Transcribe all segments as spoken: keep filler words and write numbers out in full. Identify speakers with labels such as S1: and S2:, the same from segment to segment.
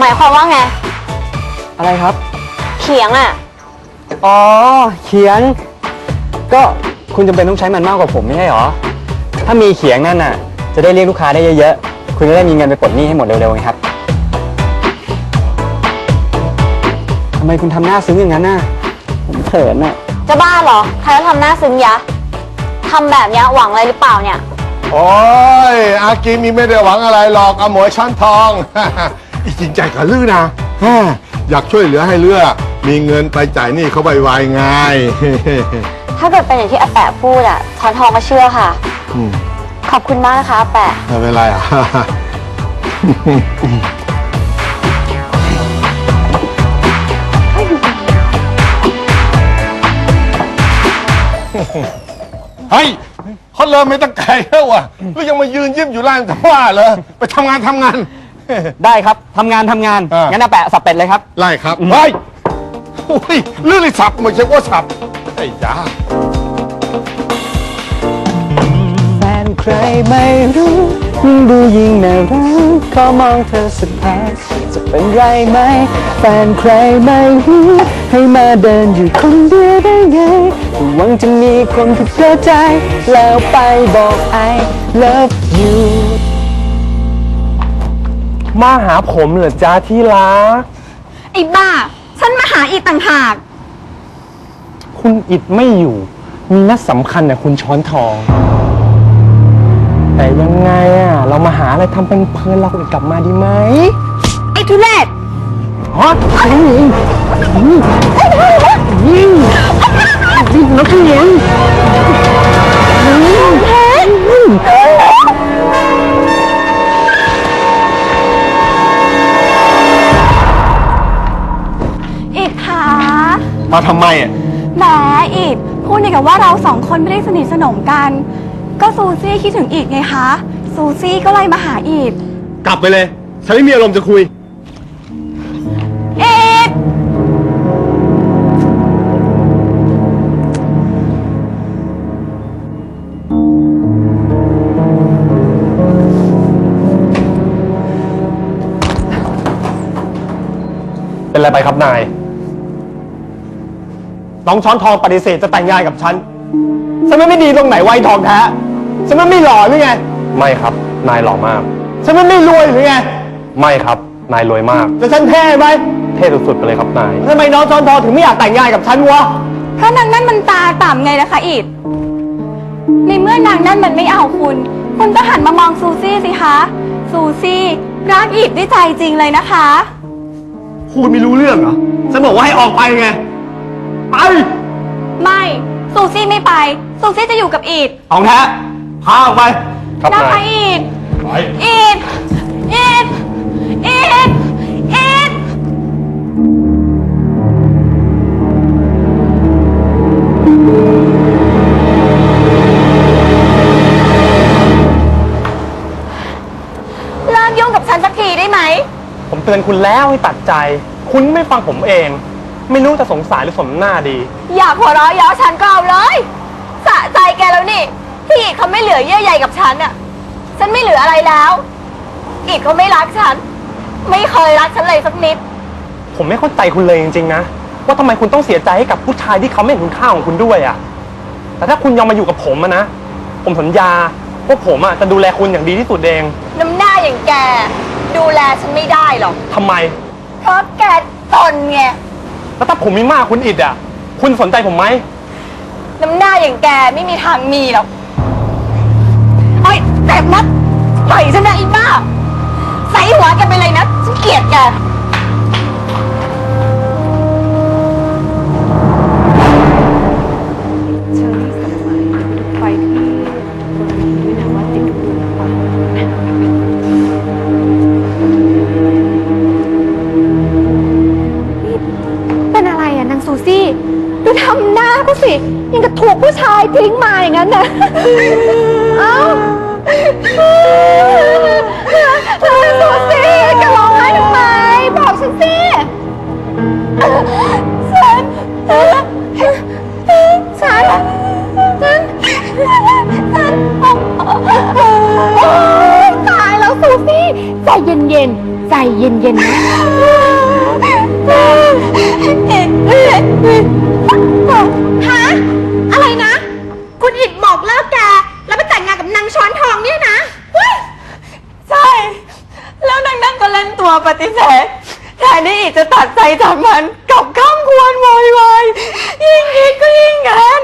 S1: มายความว่าไง
S2: อะไรครับ
S1: เขียงอ่ะ
S2: อ๋อเขียงก็คุณจำเป็นต้องใช้มันมากกว่าผมไม่ใช่หรอถ้ามีเขียงนั่นน่ะจะได้เรียกลูกค้าได้เยอะๆคุณจะได้มีเงินไปปลดหนี้ให้หมดเร็วๆไงครับทำไมคุณทำหน้าซึ้งอย่างนั้นน่ะผมเขินน่ะ
S1: จะบ้าเหรอใครจะทำหน้าซึ้งยะทำแบบนี้หวังอะไรหรือเปล่าเนี่ย
S3: โอ้ยอากิมีไม่ได้หวังอะไรหรอกอโมยช้อนทองจริงใจกับลือนะอยากช่วยเหลือให้เลือมีเงินไปจ่ายหนี้เขาไวๆไง
S1: ถ้าเกิดเป็นอย่างที่อาแปะพูดอ่ะช้อนทองก็เชื่อค่ะขอบคุณมากนะคะอาแปะ
S3: ไม่เป็นไรอ่ะเฮ้ยเขาเริ่มไม่ตั้งใจแล้วว่ะแล้วยังมายืนยิ้มอยู่ล่างจะว่าเหรอไปทำงานทำงาน
S2: ได้ครับทำงานทำงานงั้นอาแปะสับเป็ดเลยครับ
S3: ไล่ครับเฮ้ยโอ้ยเรื่องเลยสับไม่ใช่ว่าสับไอ้จ้า
S2: แฟนใครไม่รู้ยิ่งดูยิ่งน่ารักขอมองเธอสักพักจะเป็นไรไหมแฟนใครไม่รู้ให้มาเดินอยู่คนเดียวได้ไงหวังจะมีคนที่เชื่อใจแล้วไปบอก I love you
S4: มาหาผมเหรอจ้าที่รัก
S1: ไอ้บ้าฉันมาหาอีกต่างหาก
S4: คุณอิดไม่อยู่มีนัดสำคัญเนี่ยคุณช้อนทองแต่ยังไงอ่ะเรามาหาอะไรทำเป็นเพลินเรากลับมาดีไหม
S1: ไอ้ทุเรศ
S4: ฮะยิงยิงยิงนักเรียน
S1: อิดคะ
S3: มาทำไมอ่ะ
S1: แหมอิดพูดในกับว่าเราสองคนไม่ได้สนิทสนมกันก็ซูซี่คิดถึงอิดไงคะซูซี่ก็เลยมาหาอิด
S3: กลับไปเลยฉันไม่มีอารมณ์จะคุย
S1: อิด
S4: เป็นอะไรไปครับนายน้องช้อนทองปฏิเสธจะแต่งงานกับฉันฉันไม่ดีตรงไหนไวทองแท้ฉันไม่หล่อหรือไงไม่ครับนายหล่อมากฉันไม่รวยหรือไงไม่ครับนายรวยมากแต่ฉันเท่ไหมเท่สุดๆไปเลยครับนายทำไมน้องช้อนทองถึงไม่อยากแต่งงานกับฉันวะ
S1: เพราะนางนั่นมันตาต่ำไงนะคะอิดในเมื่อนางนั่นมันไม่เอาคุณคุณก็หันมามองซูซี่สิคะซูซี่รักอิดด้วยใจจริงเลยนะคะ
S4: พูดไม่รู้เรื่องเหรอฉันบอกว่าให้ออกไปไงไป
S1: ไม่ซูซี่ไม่ไปซูซี่จะอยู่กับอีด
S4: ของแท้พาออกไป
S1: ครับนายไปอีดอีดอีดอีดอีดเลิกยุ่งกับฉันสักทีได้ไหม
S4: ผมเตือนคุณแล้วให้ตัดใจคุณไม่ฟังผมเองไม่รู้จะสงสารหรือสมหน้าดี
S1: อยากหัวเราะเย้าฉันก็เอาเลยสะใจแกแล้วนี่ที่อีกเขาไม่เหลือเยื่อใยกับฉันอ่ะฉันไม่เหลืออะไรแล้วอีกเขาไม่รักฉันไม่เคยรักฉันเลยสักนิด
S4: ผมไม่เข้าใจคุณเลยจริงๆนะว่าทำไมคุณต้องเสียใจให้กับผู้ชายที่เขาไม่เห็นคุณค่าของคุณด้วยอ่ะแต่ถ้าคุณยอมมาอยู่กับผมอะนะผมสัญญาว่าผมอ่ะจะดูแลคุณอย่างดีที่สุดเอง
S1: น้ำหน้าอย่างแกดูแลฉันไม่ได้หรอก
S4: ทำไม
S1: เพราะแกตนไง
S4: แล้วถ้าผมมีมากคุณอิดอ่ะคุณสนใจผมไหม
S1: น้ำหน้าอย่างแกไม่มีทางมีหรอกเฮ้ยแตกนัดปล่อยฉันนะอีบ้าใส่หัวแกไปเลยนะฉันเกลียดแกเชอรี่สมัยไปที่บริเวณด้วยนะว่าติดทุกคนหรือเปล่าเป็นอะไรอะนางซูซี่ดูทำหน้าก็สิยังกับถูกผู้ชายทิ้งมาอย่างนั้นนะเอ้าซูซี่แกร้องไห้ทำไมบอกฉันสิฉันฉันฉันฉันตายแล้วซูซี่ใจเย็นๆใจเย็นๆนะฮะอะไรนะ คุณอิดบอกเลิกแกแล้วไปแต่งงานกับนางช้อนทองเนี่ยนะใช่ แล้วนางนั่นก็เล่นตัวปฏิเสธแทนที่อิดจะตัดใจจากมันกลับข้ามควรโวยวายยิ่งคิดก็ยิ่งงาน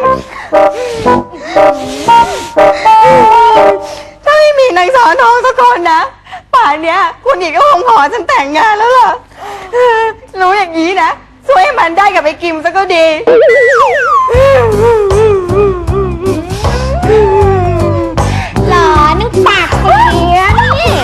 S1: ถ้าไม่มีนางสอนทองสักคนนะป่านเนี้ยคุณอิดก็คงขอฉันแต่งงานแล้วล่ะรู้อย่างนี้นะช่วยให้มันได้กับไอ้กิมซะก็ดีหลอนึกปากเสียนี่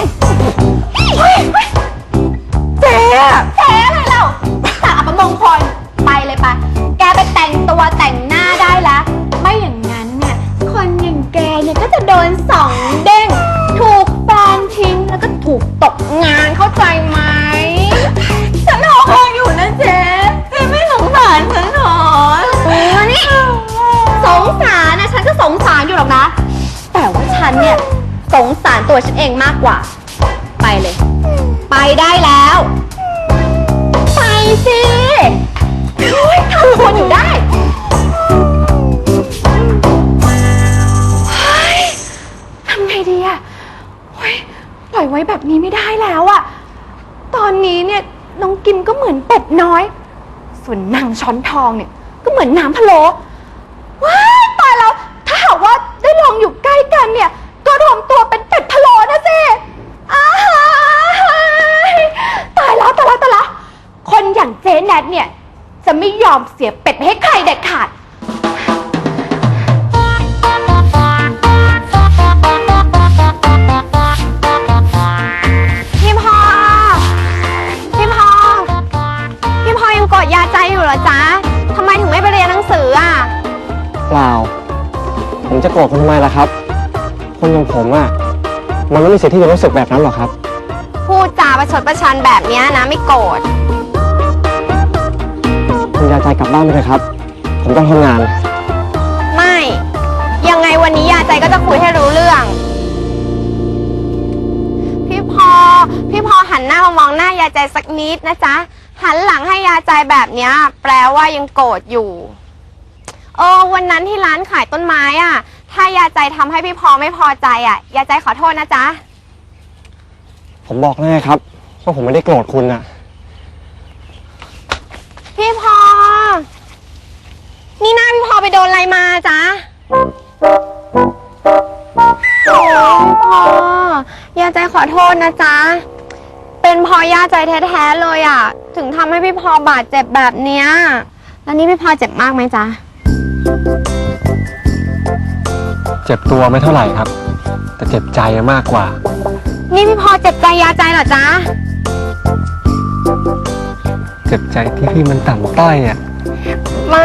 S1: เจ๊เจ๊อะไรเราสาประมงคลไปเลยปะแกไปแต่งตัวแต่งหน้าได้ละไม่อย่างนั้นเนี่ยคนอย่างแกเนี่ยก็จะโดนสองเด้งถูกแฟนทิ้งแล้วก็ถูกตกงานเข้าใจไหมฉันหอคอยอยู่นะเจ๊เจ๊ไม่สงสารฉันหรอนี่สงสารนะฉันก็สงสารอยู่หรอกนะแต่ว่าฉันเนี่ยสงสารตัวฉันเองมากกว่าไปเลยไปได้แล้วไปสิทำคนอยู่ได้ทำไงดีอะปล่อยไว้แบบนี้ไม่ได้แล้วอะตอนนี้เนี่ยน้องกิมก็เหมือนเป็ดน้อยส่วนนางช้อนทองเนี่ยก็เหมือนน้ำพะโล้ว้ายตายแล้วถ้าหากว่าได้ลองอยู่ใกล้กันเนี่ยก็รวมตัวเป็นเป็ดพะโล้นะสิอ้ายตายแล้วตายแล้วตายแล้วคนอย่างเจ๊แนทเนี่ยจะไม่ยอมเสียเป็ดให้ใครเด็ดขาดพี่พอพี่พอพี่พอยังกดยาใจอยู่เหรอจ๊ะทำไมถึงไม่ไปเรียนหนังสืออ่ะ
S2: เปล่าผมจะโกรธคุณทำไมล่ะครับคนอย่างผมอ่ะมันไม่มีสิทธิ์ที่จะรู้สึกแบบนั้นหรอกครับ
S1: พูดจาประชดประชันแบบนี้นะไม่โกรธ
S2: คุณยาใจกลับบ้านไปเลยครับผมต้องทำงาน
S1: ไม่ยังไงวันนี้ยาใจก็จะคุยให้รู้เรื่องพี่พอพี่พอหันหน้ามามองหน้ายาใจสักนิดนะจ๊ะหันหลังให้ยาใจแบบเนี้ยแปลว่ายังโกรธอยู่เออวันนั้นที่ร้านขายต้นไม้อ่ะถ้ายาใจทำให้พี่พอไม่พอใจอ่ะยาใจขอโทษนะจ๊ะ
S2: ผมบอกแน่ครับว่าผมไม่ได้โกรธคุณน่ะ
S1: พี่พอนี่หน้าพี่พอไปโดนอะไรมาจ๊ะโอ้พี่พอยาใจขอโทษนะจ๊ะเป็นพอยาใจแท้ๆเลยอ่ะถึงทำให้พี่พอบาดเจ็บแบบเนี้ยแล้วนี่พี่พอเจ็บมากไหมจ๊ะ
S2: เจ็บตัวไม่เท่าไหร่ครับแต่เจ็บใจมากกว่า
S1: นี่พี่พอเจ็บใจยาใจเหรอจ๊ะ
S2: เจ็บใจที่พี่มันต่ำต้อยอ่ะ
S1: มา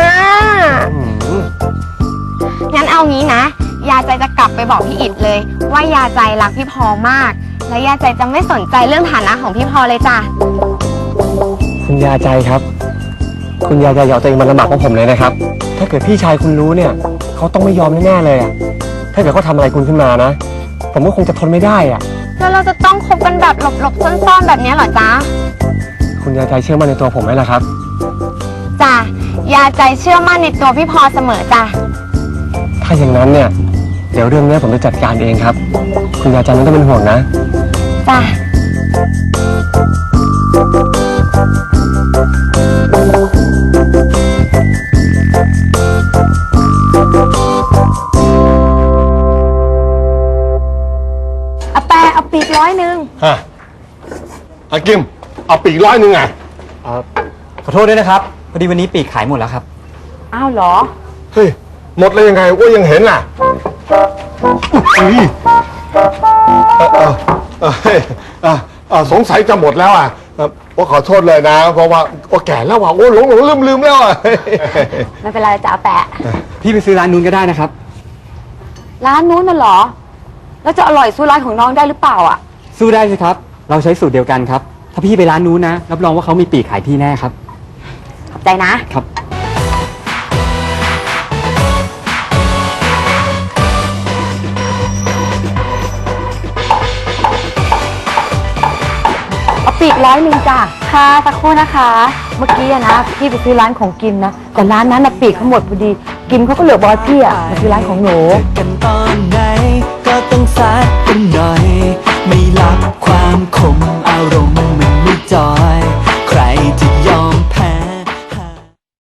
S1: งั้นเอางี้นะยาใจจะกลับไปบอกพี่อิดเลยว่ายาใจรักพี่พอมากและยาใจจะไม่สนใจเรื่องฐานะของพี่พอเลยจ้ะ
S2: คุณยาใจครับคุณยาใจอย่าเอาตัวเองมาลำบากของผมเลยนะครับถ้าเกิดพี่ชายคุณรู้เนี่ยเขาต้องไม่ยอมแน่ๆเลยอ่ะถ้าเกิดเขาทำอะไรคุณขึ้นมานะผมก็คงจะทนไม่ได้อ่ะ
S1: แล้วเราจะต้องคบกันแบบหลบๆซ่อนๆแบบนี้เหรอจ๊ะ
S2: คุณยาใจเชื่อมั่นในตัวผมไหมล่ะครับ
S1: จ้ะยาใจเชื่อมั่นในตัวพี่พอเสมอจ้ะ
S2: ถ้าอย่างนั้นเนี่ยเดี๋ยวเรื่องนี้ผมจะจัดการเองครับคุณยาใจไม่ต้องเป็นห่วงนะ
S1: จ้ะเอาแปะเอาปีกร้อยหนึ่ง
S3: ฮะอากิมเอาปีกร้อยหนึ่งไง
S2: เออขอโทษด้วยนะครับพอดีวันนี้ปีกขายหมดแล้วครับ
S1: อ้าวเหรอ
S3: เฮ้ยหมดเลยยังไงว่ายังเห็นล่ะอุ้ยเออเออเออเออเออสงสัยจะหมดแล้วอ่ะว่าขอโทษเลยนะเพราะว่าว่าแก่แล้วว่ะโอ้หลงหลงลืมลืมแล้วอ่ะ
S1: ไม่เป็นไรจะเอาแปะ
S2: พี่ไปซื้อร้านนู้นก็ได้นะครับ
S1: ร้านนู้นน่ะเหรอแล้วจะอร่อยสู้ร้านของน้องได้หรือเปล่าอ่ะ
S2: สู้ได้สิครับเราใช้สูตรเดียวกันครับถ้าพี่ไปร้านนู้นนะรับรองว่าเขามีปีกขายพี่แน่ครับ
S1: ขอบใจนะครับป
S5: ปีกร้อยหนึ่งจ้ะค่ะสักครู่นะคะ เมื่อกี้อะนะพี่ไปซื้อร้านของกินนะแต่ร้านนั้นนะปีกเขาหมดพอดี กินเขาก็เหลือบอยพี่อะมาซื้อร้านของหนู
S2: กันตอนไหนก็ต้องซัด